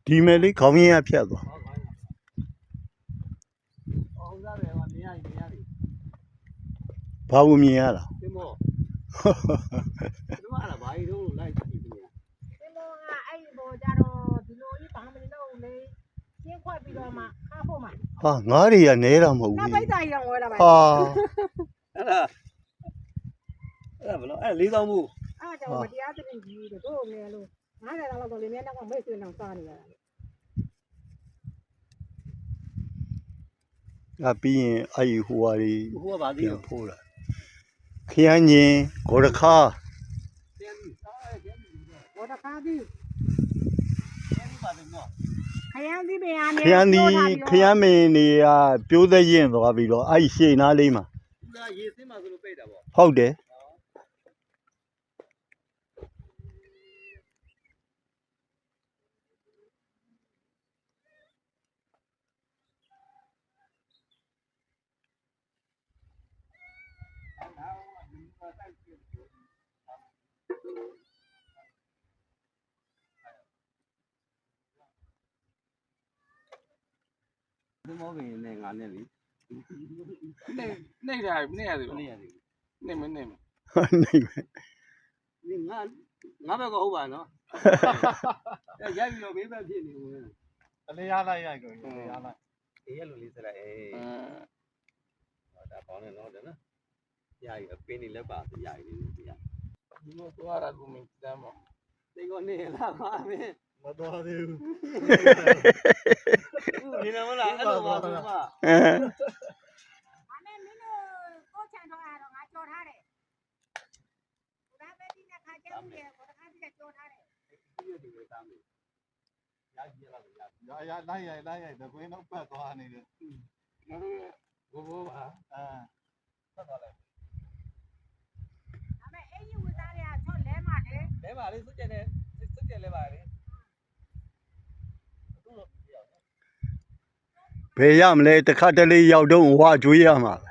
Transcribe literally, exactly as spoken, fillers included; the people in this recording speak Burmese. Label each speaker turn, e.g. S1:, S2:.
S1: ဒီမဲ့လေးခေါင်းရင်းရဖြတ်သွားဘာလို့မြင်ရတာ
S2: ဒီမောဒီမှာလာဘာကြီးတော့လိုက်ကြည့်နေ
S3: ဒီမောကအဲ့ဒီဘောကြတော့ဒီလိုကြီးဘာမလို့လေရှင်းခွက်ပြီးတော့မှခါဖို့မှာ
S1: ဟာငါးတွေကနေတော့မဟုတ်ဘူး
S3: နောက်ပိတ်တာကြီးတော့ဝဲလာပါ
S1: ဟာ
S2: အဲ့ဒါအဲ့ဒါဘလို့အဲ့လေးသောင်းမှု
S3: အဲ့ဒါကြောင့်တရားသဖြင့်ကြီးတို့ငယ်လို့ငါးဆယ်လောက်တော့လေမြဲတော့မိတ်ဆွေအောင်စားနေရတာ
S1: အပြီးရင်အဲ့ဒီဟိုဟာတွေ
S2: ဟိုကဘာသေးလဲ
S1: ဖိုးလာခရမ်းညင်ဂေါ်ရခါ
S3: ဘောတခါကြီးခရမ်းသီးပင်
S1: ခ
S3: ကနေ
S1: ရမ်းဒီခရမ်းမင်းတွေကပြိုးသက်ရင်သွားပြီးတော့အဲ့ဒီရှေ့နားလေးမှာ
S2: ဒါရေစင်းမှာဆိုလို့ပိတ်တာပေါ့
S1: ဟုတ်တယ်
S2: ဒီမောပင်နဲ့ငါနဲ့လေ
S4: နေနေရတယ်နေရတယ်
S2: နေရတယ်
S4: နေမနေမ
S1: နေမယ်
S2: ဒီငါငါဘက်ကဟုတ်ပါနော်ရိုက်ပြီးတော့ဘေးဘက်ဖြစ်နေဝင်
S4: အလေးရလိုက်ရိုက်ကိုအလေးရလိုက်
S2: အေးရလို့လေးစလိုက်အေးဟောဒါပေါင်းနေတော့တယ်နော်ရရအပင်းနေလက်ပါရရနေပြရ
S4: ဒီလိုသွားတာကိုမင်းတမ်းမ
S2: သိကောနေလာပါမင်း
S4: မတော်သေးဘူး
S2: ဒီနမလားအဲ့လိုပါဆိုမှ
S1: အဲ
S3: အမေမင်းတို့ကိုချန်တော့ရတော့ငါကြော်ထားတယ်ဒါပဲဒီနေ့ခါကျမှုရဲ့ဘောတခါကြီးကြော်ထားတယ်
S2: ဒီလိုဒီလိုသားမေးရကြီးလာရ
S4: ရရလိုက်ရိုက်လိုက်ရိုက်တကွင်းတော့ပတ်သွားနေတယ်
S2: ငါတို့ဘိုးဘိုးပါ
S4: အာ
S2: ပတ်သွားလိုက်
S3: အမေအဲ့ဒီဝသားတွေကချော့လဲမှာလေ
S2: လဲပါလေစွတ်ကျက်နေစွတ်ကျက်လဲပါလေ
S1: ဘယ်ရမလဲတခါတလေရောက်တော့ဝါကျွေးရမှာ